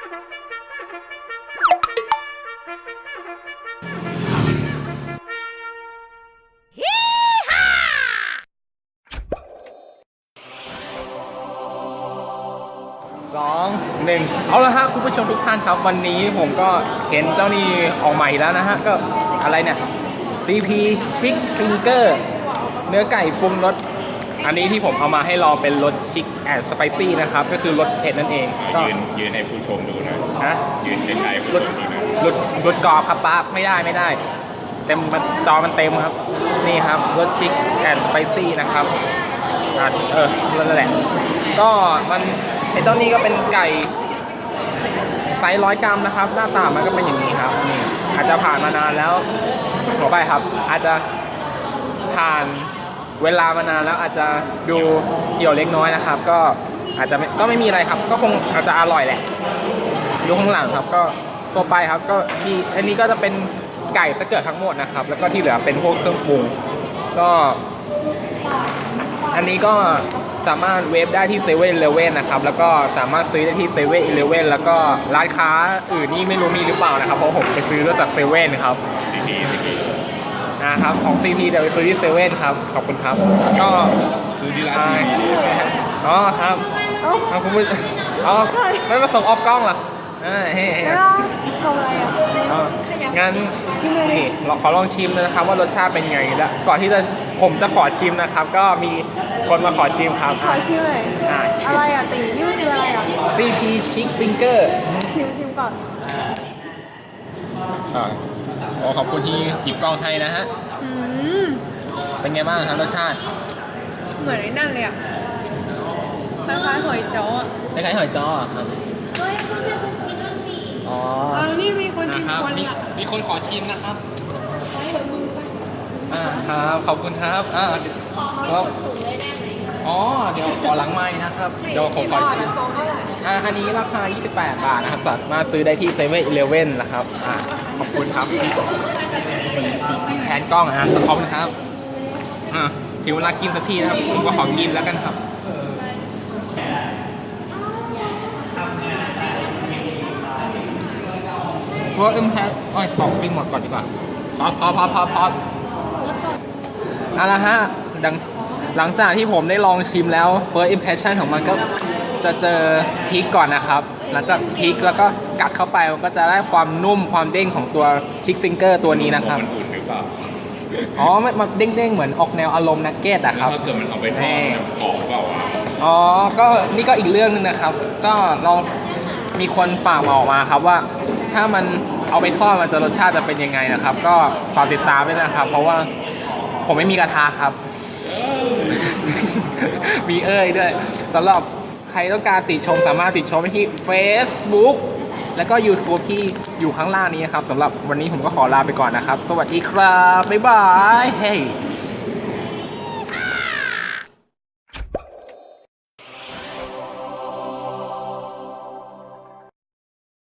2 1เอาละฮะคุณผู้ชมทุกท่านครับวันนี้ผมก็เห็นเจ้านี่ออกใหม่แล้วนะฮะก็อะไรเนี่ย CP Chick Finger เนื้อไก่ปรุงรสอันนี้ที่ผมเอามาให้ลองเป็นรสชิคแอนด์สไปซี่นะครับก็คือรสเผ็ดนั่นเองก็ยืนให้ผู้ชมดูนะฮะยืนใกล้ๆผู้ชมดูนะรสกรอบครับป้าไม่ได้เต็มจอมันเต็มครับนี่ครับรสชิคแอนด์สไปซี่นะครับนั่นแหละก็มันไอ้เจ้านี้ก็เป็นไก่ไซส์100 กรัมนะครับหน้าตามันก็เป็นอย่างนี้ครับนี่อาจจะผ่านมานานแล้วขอไปครับอาจจะผ่านเวลามานานแล้วอาจจะดูเหี่ยวเล็กน้อยนะครับก็อาจจะก็ไม่มีอะไรครับก็คงอาจจะอร่อยแหละดูข้างหลังครับก็ตัวไปครับก็มีอันนี้ก็จะเป็นไก่สเกิร์ตทั้งหมดนะครับแล้วก็ที่เหลือเป็นพวกเครื่องปรุงก็อันนี้ก็สามารถเวฟได้ที่7-Elevenนะครับแล้วก็สามารถซื้อได้ที่7-Elevenแล้วก็ร้านค้าอื่นนี่ไม่รู้มีหรือเปล่านะครับเพราะผมไปซื้อจาก7ครับนะครับของ CP เดี๋ยวไปซื้อที่7ครับขอบคุณครับก็ซื้อที่ร้าน CP อ๋อครับคุณผู้ชมไม่มาส่งออฟกล้องเหรอเฮ้ทำอะไรงั้นนี่ขอลองชิมนะครับว่ารสชาติเป็นยังไงแล้วก่อนที่ผมจะขอชิมนะครับก็มีคนมาขอชิมครับขอชิมเลยอะไรตีนี่คืออะไร CP Chick Finger ชิมก่อนขอบคุณที่หยิบกล้องให้นะฮะเป็นไงบ้างครับรสชาติเหมือนไอ้นั่นเลยคล้ายๆหอยจ้อคล้ายๆหอยจ้อครับนี่มีคนชิมคนมีคนขอชิมนะครับครับขอบคุณครับเดี๋ยวขอหลังไม้นะครับเดี๋ยวผมขอชิมอันนี้ราคา28 บาทนะครับสามารถซื้อได้ที่7-Elevenนะครับขอบคุณครับแทนกล้องนะขอบคุณครับถึงเวลากินสักทีนะครับผมก็ขอกินแล้วกันครับเพราะของกินหมดก่อนดีกว่าพอเอาละฮะหลังจากที่ผมได้ลองชิมแล้ว first impression ของมันก็จะเจอพริกก่อนนะครับหลังจากพริกแล้วก็กัดเข้าไปมันก็จะได้ความนุ่มความเด้งของตัว Chick Finger ตัวนี้นะครับมันอุ่นหรือเปล่ามันเด้งๆเหมือนออกแนวอารมณ์นักเก็ตอะครับถ้าเกิดมันเอาไปทอดมันกรอบเปล่าก็นี่ก็อีกเรื่องนึงนะครับก็ลองมีคนฝากมาออกมาครับว่าถ้ามันเอาไปทอดมันจะรสชาติจะเป็นยังไงนะครับก็ฝากติดตามด้วยนะครับเพราะว่าผมไม่มีกระทะครับมีด้วยสำหรับใครต้องการติชมสามารถติชมได้ที่ Facebook แล้วก็ YouTube ที่อยู่ข้างล่างนี้ครับสำหรับวันนี้ผมก็ขอลาไปก่อนนะครับสวัสดีครับบ๊ายบายเฮ้